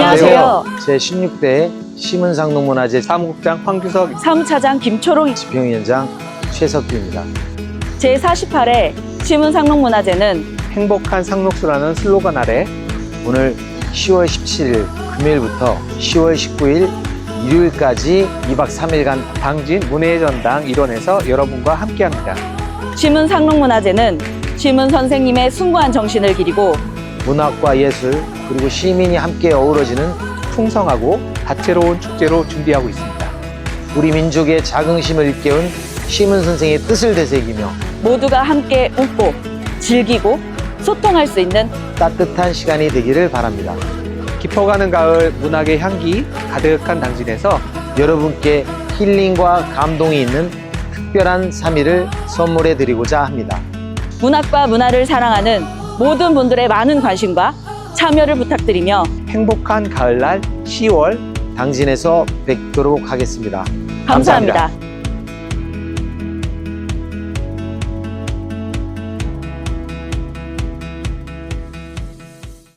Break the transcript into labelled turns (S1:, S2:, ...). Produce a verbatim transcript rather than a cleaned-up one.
S1: 안녕하세요.
S2: 제십육 대 시문상록문화재
S3: 사무국장 황규석,
S1: 사무차장 김초롱,
S2: 집행위원장 최석규입니다.
S1: 제사십팔 회 시문상록문화제는
S3: 행복한 상록수라는 슬로건 아래
S2: 오늘 시월 십칠일 금요일부터 시월 십구일 일요일까지 이박 삼일간
S3: 당진 문예의 전당 일원에서 여러분과 함께합니다.
S1: 시문상록문화제는 시문 선생님의 숭고한 정신을 기리고
S2: 문학과 예술 그리고 시민이 함께 어우러지는
S3: 풍성하고 다채로운 축제로 준비하고 있습니다.
S2: 우리 민족의 자긍심을 일깨운 시문 선생의 뜻을 되새기며
S1: 모두가 함께 웃고 즐기고 소통할 수 있는
S2: 따뜻한 시간이 되기를 바랍니다.
S3: 깊어가는 가을 문학의 향기 가득한 당진에서
S2: 여러분께 힐링과 감동이 있는 특별한 삼일을 선물해 드리고자 합니다.
S1: 문학과 문화를 사랑하는 모든 분들의 많은 관심과 참여를 부탁드리며
S3: 행복한 가을날 시월
S2: 당진에서 뵙도록 하겠습니다.
S1: 감사합니다.